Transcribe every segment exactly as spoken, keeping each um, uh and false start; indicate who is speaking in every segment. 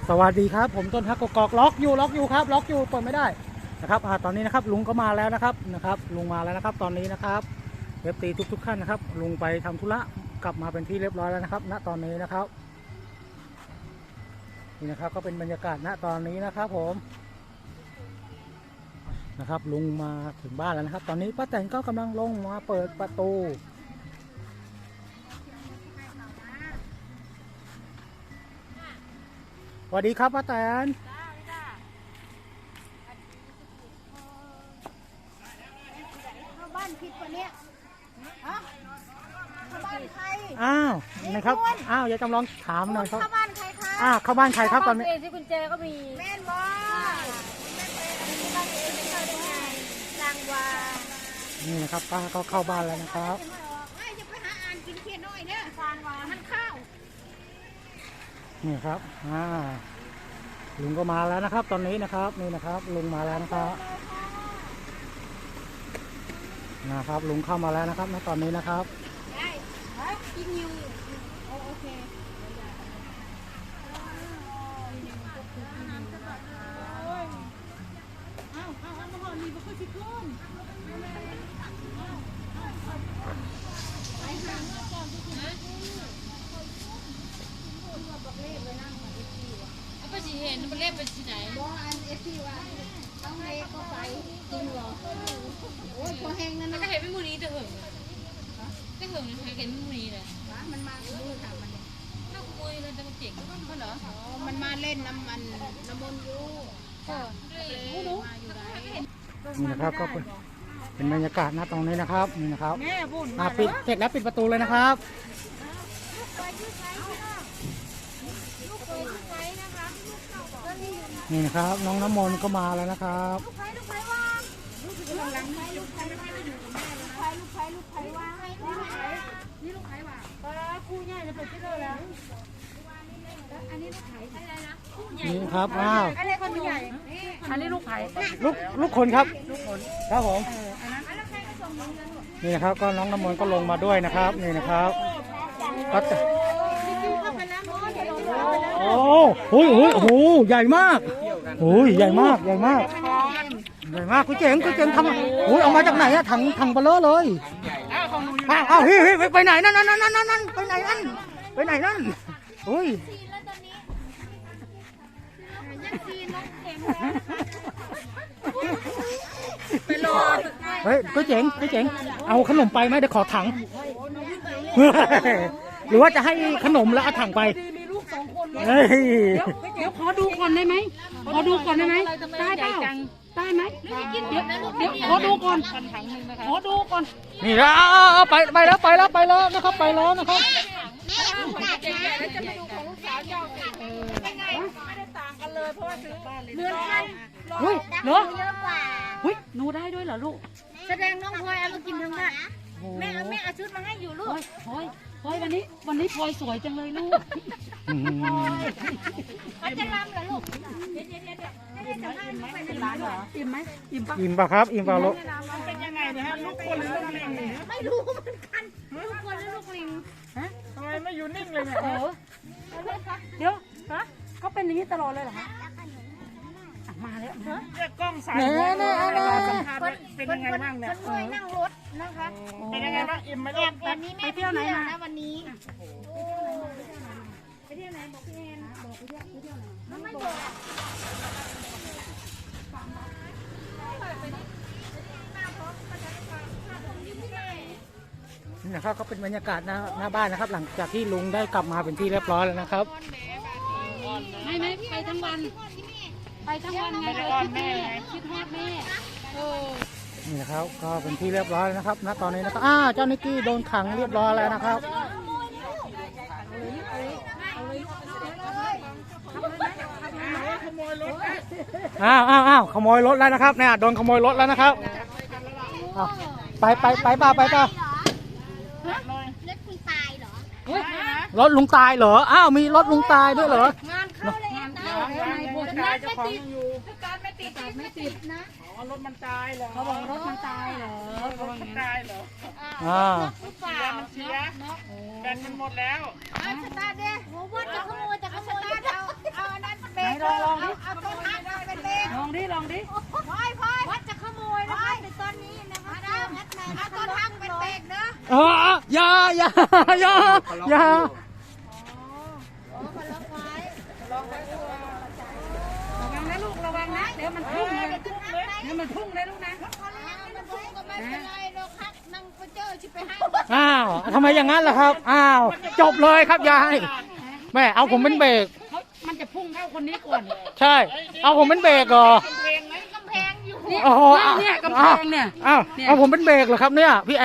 Speaker 1: สวัสดีครับผมต้นฮักกกอกล็อกอยู่ล็อกอยู่ครับล็อกอยู่เปิดไม่ได้นะครับอ่าตอนนี้นะครับลุงก็มาแล้วนะครับนะครับลุงมาแล้วนะครับตอนนี้นะครับเอฟซีทุกๆท่านนะครับลุงไปทำธุระกลับมาเป็นที่เรียบร้อยแล้วนะครับณตอนนี้นะครับนี่นะครับก็เป็นบรรยากาศณตอนนี้นะครับผมนะครับลุงมาถึงบ้านแล้วนะครับตอนนี้ป้าแตนก็กำลังลงมาเปิดประตูสวัสดีครับป้าแตน
Speaker 2: เข้าบ้านผิดกว่านี้ฮะเข้าบ้านใคร
Speaker 1: อ้าวนะครับอ้าวยายจำลองถามหน่อยครับ
Speaker 2: เข้าบ้านใครคะ
Speaker 1: อ้าวเข้าบ้านใครครับตอนนี้
Speaker 3: เองที่กุญแจก็มี
Speaker 2: แม่นบอแม่เป็นบ้านเองไม่เข้าได้ไงนางวา
Speaker 1: นี่นะครับป้าก็เข้าบ้านแล้วนะครับ
Speaker 2: ไอ้จะไปหาอ่านกินเพียน้อยเนี่ยฟางวามันเข้า
Speaker 1: นี่ครับอ่าลุงก็มาแล้วนะครับตอนนี้นะครับนี่นะครับลุงมาแล้วนะครับนะครับลุงเข้ามาแล้วนะครับณตอนนี้นะครับ
Speaker 2: ได้กินอยู่โอเคเอาเอาเอามาห่อนี่มาคุยสิคุณไปหาก่อนที่คุณนะบอกเลขไว้นั่งมาเอฟซีว่ะ
Speaker 3: เอาไปสีเห็นมันเล่นไปที่ไหน
Speaker 2: บอกอันเอฟซีว่ะต้องเลขก็ไปจริงเหรอโอ้ยพอแห้งนั่น
Speaker 3: มัน
Speaker 2: นะ
Speaker 3: ก็เห็นไม่มูนี้แต่เหิงแต่เหิงมันเห็นไม่มูนี้เลย
Speaker 2: มันมาดูค่ะมันเนี่ย
Speaker 3: ถ้าขโมยเลยจะมาเจ๋งก็เหรอ
Speaker 2: อ๋อมันมาเล่นน้ำมันน้ำมันยู
Speaker 3: เออ
Speaker 2: มาอยู่ไหน
Speaker 1: นี่นะครับก็เป็นเป็นบรรยากาศณตรงนี้นะครับนี่นะครับ
Speaker 2: แม่บุญ
Speaker 1: อ่าปิดเสร็จแล้วปิดประตูเลยนะครับนี่นะครับน้องน้ำมนต์ก็มาแล้วนะครับ
Speaker 2: ลูกไผ่ลูกไผ่ว่างลูกไผ่ลูกไผ่ลูกไผ่ไม่ได้อยู่กับแม่ลูกไผ่ลูกไผ่ลูกไผ่ว่างนี่ลูกไผ่ว่างปลาคู่ใหญ่จะเปิดที่เลยแล้วอันนี้ลูกไผ่อะไรนะคู่ใหญ่
Speaker 1: นี่ครับอ้าว
Speaker 2: อะไรคนใหญ่อันนี้ลูกไผ่
Speaker 1: ลูกลูกคนครับลูกคนครับผมนี่นะครับก็น้องน้ำมนต์ก็ลงมาด้วยนะครับนี่นะครับก็จะโอ้โหโอ้โหโอ้โหใหญ่มากโอ้ยใหญ่มากใหญ่มากใหญ่มากคุณเจ๋งคุณเจ๋งทำโอ้ยเอามาจากไหนอะถังถังเบลอเลยอ้าวอ้าวเฮ้ยไปไหนนั่นนั่นนั่นนั่นนั่นไปไหนนั่นไปไหนนั่นโอ้ย
Speaker 2: ไปรอ
Speaker 1: เฮ้ยคุณเจ๋งคุณเจ๋งเอาขนมไปไหมเดี๋ยวขอถังหรือว่าจะให้ขนมแล้วเอาถังไปเฮ้ย
Speaker 3: เดี๋ยวขอดูก่อนได้ไหมขอดูก่อนได้ไหมได้เปล่าได้ไหมเดี๋ยวเดี๋ยวขอดูก่อนขอดูก่อน
Speaker 1: นี่แล้วไปไปแล้วไปแล้วไปแล้วนะครับไปแล้วนะครับ
Speaker 2: เนื้อกัน
Speaker 3: เฮ้ยเนาะ
Speaker 2: เยอะกว่า
Speaker 3: เฮ้ยหนูได้ด้วยเหรอลูก
Speaker 2: แสดงน้องพลอยเอามากินทั้งบ้านแม่แม่เอาชุดมาให้อยู่ลูก
Speaker 3: พลอยพลอยวันนี้วันนี้พลอยสวยจังเลยลูก
Speaker 2: เขาจะรำเหรอลูกเดี๋ยวเดี๋ยวเดี๋ยวให้สัมภาษณ์ไปในร้านเหรอ
Speaker 3: อิ่มไหมอิ่มปะ
Speaker 1: อิ่มปะครับอิ่มปะลูก
Speaker 2: เป็นยังไงนะฮะลูกคนหรือลูกลิงไม่รู้เหมือนกันลูกคนหรือลูกลิงฮะ
Speaker 3: ทำไมไม่อยู่นิ่งเลยเนี่ยเออเดี๋ยวฮะเขาเป็นอย่างนี้ตลอดเลยเหรอฮะมาแล้วเรียกกล้องสายหัวเลยเป็นยังไงบ้างเนี่ย
Speaker 2: คนรวยนั่งรถนะคะ
Speaker 3: เป็นยังไงบ้างอิ่มไหมลูก
Speaker 2: วันนี้แม่ไปเที่ยวไหนนะวันนี้ไปเที่ยวไหนบอกพี่แอนบอกไปเที่ยวไปเที่ยวไหนไม่บอก
Speaker 1: นี่นะครับก็เป็นบรรยากาศหน้าหน้าบ้านนะครับหลังจากที่ลุงได้กลับมาเป็นที่เรียบร้อยแล้วนะครับ
Speaker 3: ไม่ไม่ไปทั้งวันไปทั้งวันไงเลยคิดแม่คิดฮอดแม่เออ
Speaker 1: นี่นะครับก็เป็นที่เรียบร้อยนะครับณตอนนี้นะครับอ้าเจ้านิกกี้โดนขังเรียบร้อยแล้วนะครับอ้าวอ้าวอ้าวขโมยรถแล้วนะครับเนี่ยโดนขโมยรถแล้วนะครับไปไปไปป่ะไปป่ะ
Speaker 2: รถคุณตายเหรอ
Speaker 1: รถลุงตายเหรออ้าวมีรถลุงตายด้วยเหรอง
Speaker 2: านเข้าแล้ว
Speaker 3: นายบัวตายเจ้าของอยู่
Speaker 2: การไม่ติดการไม่ติดนะ
Speaker 3: อ๋อรถมันตายเหรอเขาบอกรถมันตายเหรอ
Speaker 2: รถมันตายเหรอ
Speaker 1: อ่า
Speaker 2: เสียมันเสียแบตมันหมดแล้วอ่าสตาร์ทเด้โหว่าจะขโมยจะขโมยเอาเอาอันนั้นเป็น
Speaker 3: ลองดิ
Speaker 2: พอยพอยวัดจะขโมยนะคะในตอนนี้นะคะเอาต้นทางเป็นเบรกเด้อ
Speaker 1: อ๋ออย่าอย่าอย่าอย่า
Speaker 3: ระวังนะลูกระวังนะเดี๋ยวมันพุ่งเลยเดี๋ยวมันพุ่งเลยลูกนะ
Speaker 1: อ้าวทำไมอย่างนั้นล่ะครับอ้าวจบเลยครับยายแม่เอาผมเป็นเบรก
Speaker 3: เขามันจะพุ่งเข้าคนนี้ก่อน
Speaker 1: ใช่ เอาผมเป็นเบรกเหรอ
Speaker 2: กำแพงอยู่
Speaker 3: เนี่ย
Speaker 1: โอ้โห
Speaker 3: เนี่ยกำแพงเนี่ย
Speaker 1: อ้าว
Speaker 3: เนี่ย
Speaker 1: เอาผมเป็นเบรกเหรอครับเนี่ยพี่แอน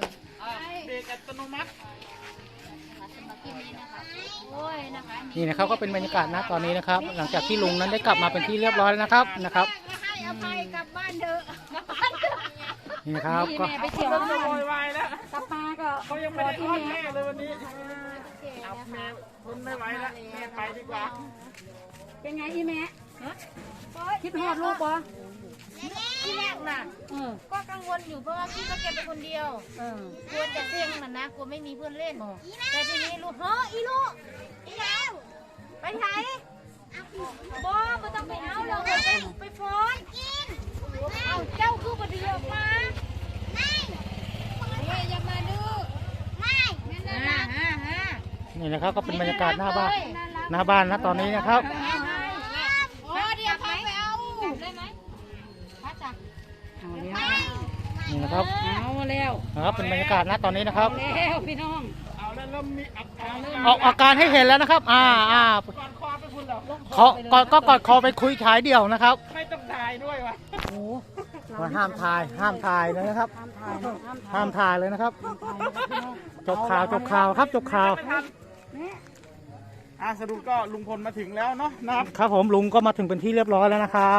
Speaker 2: โอ้ยนะคะ
Speaker 1: นี่นะครับก็เป็นบรรยากาศณตอนนี้นะครับ หลังจากที่ลุงนั้นได้กลับมาเป็นที่เรียบร้อยแล้วนะครับนะครับ
Speaker 2: ให้อภัยกลับบ้านเถอะ
Speaker 1: นี่นะครับ
Speaker 3: นี่
Speaker 1: ก็
Speaker 3: แม่ไปเที่ยว
Speaker 4: จะโวยวายแล้ว
Speaker 3: กลับมาก็
Speaker 4: เขายังไม่ได้อ้อนแม่เลยวันนี้เอาแม่ทนไม่ไหวแล้วแม่ไปดีกว่า
Speaker 3: เป็นไงอีแม่ฮะคิดฮอดลูกปะ
Speaker 2: ที่แรกน่ะ
Speaker 3: เออ
Speaker 2: ก็กังวลอยู่เพราะว่าพี่ก็เก็บไปคนเดียว
Speaker 3: เออก
Speaker 2: ลัวจะเสี่ยงน่ะนะกลัวไม่มีเพื่อนเล่น แต่ทีนี้ลูกเฮ้ออีลูกอีแล้วไปไหนบอไม่ต้องไปเอาเราไปไปฟ้อนกินเอาเจ้าคือประเดี๋ยวมาไม่เฮ้ยอย่ามาดูไม่นั่นน่ะฮ่าฮ่า
Speaker 1: นี่นะครับก็เป็นบรรยากาศหน้าบ้านหน้าบ้านณตอนนี้นะครับ
Speaker 2: โอ้เดี๋ยวพาไปเอาได้ไหมพระจักร
Speaker 3: เอาแล้ว
Speaker 1: นี่นะครับ
Speaker 3: เอาแล้ว
Speaker 1: นะครับเป็นบรรยากาศณตอนนี้นะครับ
Speaker 3: แล้วพี่น้อง
Speaker 4: เอาแล้วเริ่มมีอักเอาเริ่ม
Speaker 1: ออกอาการให้เห็นแล้วนะครับ อ่าอ่า
Speaker 4: ก่อนคอไปคุณเหรอ
Speaker 1: ขอกอดก็กอดคอไปคุยฉายเดี่ยวนะครับ
Speaker 4: ไม่ต้องถ่ายด้วยวะ
Speaker 3: โอ้
Speaker 1: ว่าห้ามถ่ายห้ามถ่ายเลยนะครับ
Speaker 3: ห้ามถ่ายนะห้ามถ่าย
Speaker 1: ห้ามถ่ายเลยนะครับ
Speaker 3: พี่น้อง
Speaker 1: จบข่าวจบข่าวครับจบข่าว
Speaker 3: แม่
Speaker 4: อ่ะสรุปก็ลุงพลมาถึงแล้วเนาะนะครับ
Speaker 1: ครับผมลุงก็มาถึงเป็นที่เรียบร้อยแล้วนะครับ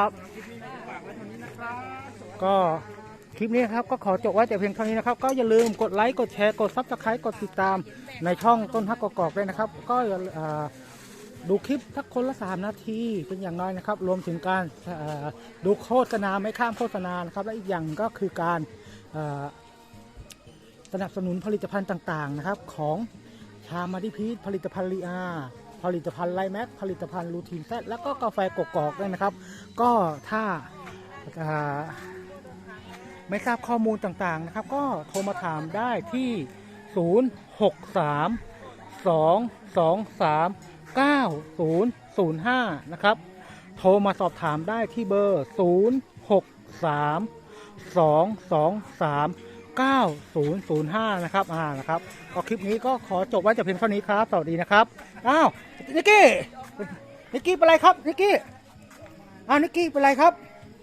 Speaker 1: ก็คลิปนี้นะครับก็ขอจบไว้แต่เพียงเท่านี้นะครับ ก็อย่าลืมกดไลค์กดแชร์กดซับสไครต์กดติดตามในช่องต้นฮักกอกๆด้วยนะครับ ก็อย่าอ่าดูคลิปทักคนละสามนาทีเป็นอย่างน้อยนะครับ รวมถึงการอ่าดูโฆษณาไม่ข้ามโฆษณานะครับและอีกอย่างก็คือการอ่าสนับสนุนผลิตภัณฑ์ต่างๆนะครับของชามาดิพีทผลิตภัณฑ์ลีอาผลิตภัณฑ์ไลแม็กผลิตภัณฑ์ลูทีนแซดแล้วก็กาแฟกกอกด้วยนะครับ ก็ถ้าอ่าไม่ทราบข้อมูลต่างๆนะครับ ก็โทรมาถามได้ที่ ศูนย์ หก สาม สอง สอง สาม เก้า ศูนย์ ศูนย์ ห้า นะครับ โทรมาสอบถามได้ที่เบอร์ ศูนย์ หก สาม สอง สอง สาม เก้า ศูนย์ ศูนย์ ห้า นะครับอ่านะครับก็คลิปนี้ก็ขอจบไว้แต่เพียงเท่านี้ครับสวัสดีนะครับอ้าวนิกกี้นิกกี้เป็นไรครับนิกกี้อ้าวนิกกี้เป็นไรครับ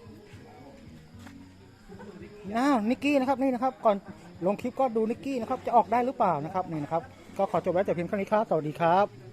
Speaker 1: อ้าวนิกกี้นะครับนี่นะครับก่อนลงคลิปก็ดูนิกกี้นะครับจะออกได้หรือเปล่านะครับนี่นะครับก็ขอจบไว้แต่เพียงเท่านี้ครับสวัสดีครับ